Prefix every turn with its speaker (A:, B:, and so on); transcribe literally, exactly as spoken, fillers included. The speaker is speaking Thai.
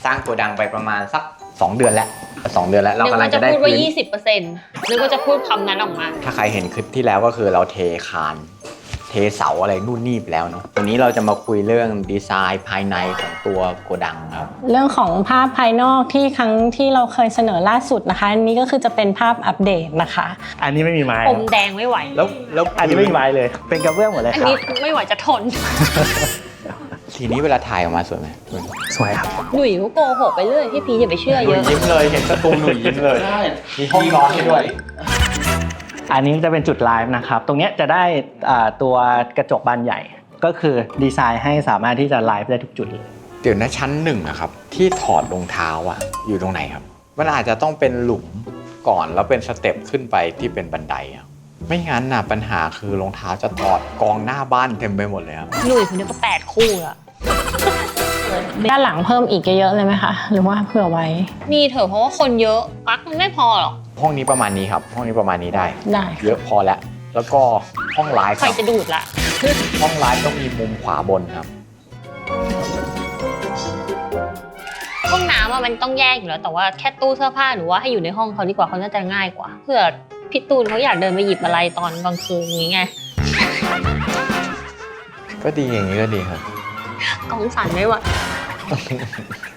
A: สร้างโกดังไปประมาณสักสองเดือนแล้วสองเดือนแล้วเรากำลังจะได้
B: นึกว่าจะพูดว่า
A: พื้น
B: ยี่สิบเปอร์เซ็นต์ นึกว่าจะพูดคำนั้นออกมา
A: ถ้าใครเห็นคลิปที่แล้วก็คือเราเทคานเทเสาอะไรนู่นนี่ไปแล้วเนาะวันนี้เราจะมาคุยเรื่องดีไซน์ภายในของตัวโกดังครับ
C: เรื่องของภาพภายนอกที่ครั้งที่เราเคยเสนอล่าสุดนะคะอันนี้ก็คือจะเป็นภาพอัปเดตนะคะ
D: อันนี้ไม่มีไม้
B: อมแดงไม่ไหว
A: แล้วแล้ว
D: อันนี้ไม่มีไม้เลยเป็นกระเบื้องหมดเลย
B: อัน
D: ครับ
B: นี้ไม่ไหวจะทน
A: ทีนี้เวลาถ่ายออกมาสวยไหม
D: สวยครับ
B: หนุ่ยก็โกหกไปเรื่อยพี่พีอย่าไปเชื่อ
A: ห
B: เย
A: นุ่ย
B: อะ
A: ยิ้มเลยเห็นสตูหนุ่ยยิ้มเลยมีห้องนอนให้ด้วย
D: อันนี้จะเป็นจุดไลฟ์นะครับตรงนี้จะได้ตัวกระจกบานใหญ่ก็คือดีไซน์ให้สามารถที่จะไลฟ์ได้ทุกจุดเลย
A: เดี๋ยวนะชั้นหนึ่งอะครับที่ถอดรองเท้าอะอยู่ตรงไหนครับมันอาจจะต้องเป็นหลุมก่อนแล้วเป็นสเต็ปขึ้นไปที่เป็นบันไดอะไม่งั้นน่ะปัญหาคือรองเท้าจะถอดกองหน้าบ้านเต็มไปหมดเลยครับ
B: หนุ่ยคนนี้ก็แปดคู่อะ
C: ด้านหลังเพิ่มอีกเยอะๆเลยไหมคะหรือว่าเผื่อไว้
B: มีเถอะเพราะว่าคนเยอะปักมันไม่พอหรอก
A: ห้องนี้ประมาณนี้ครับห้องนี้ประมาณนี้ได้
C: ได้
A: เยอะพอแล้วแล้วก็ห้องไลฟ์
B: ใครจะดูดละ
A: ห้องไลฟ์ต้องมีมุมขวาบนครับ
B: ห้องน้ำอะมันต้องแยกอยู่แล้วแต่ว่าแค่ตู้เสื้อผ้าหรือว่าให้อยู่ในห้องเขาดีกว่าเขาน่าจะง่ายกว่าเผื่อพี่ตูนเขาอยากเดินไปหยิบอะไรตอนกลางคืนอย่างงี้ไง
A: ก็ดีอย่างนี้ก็ดีครับ
B: กองสั่นไม่ไหว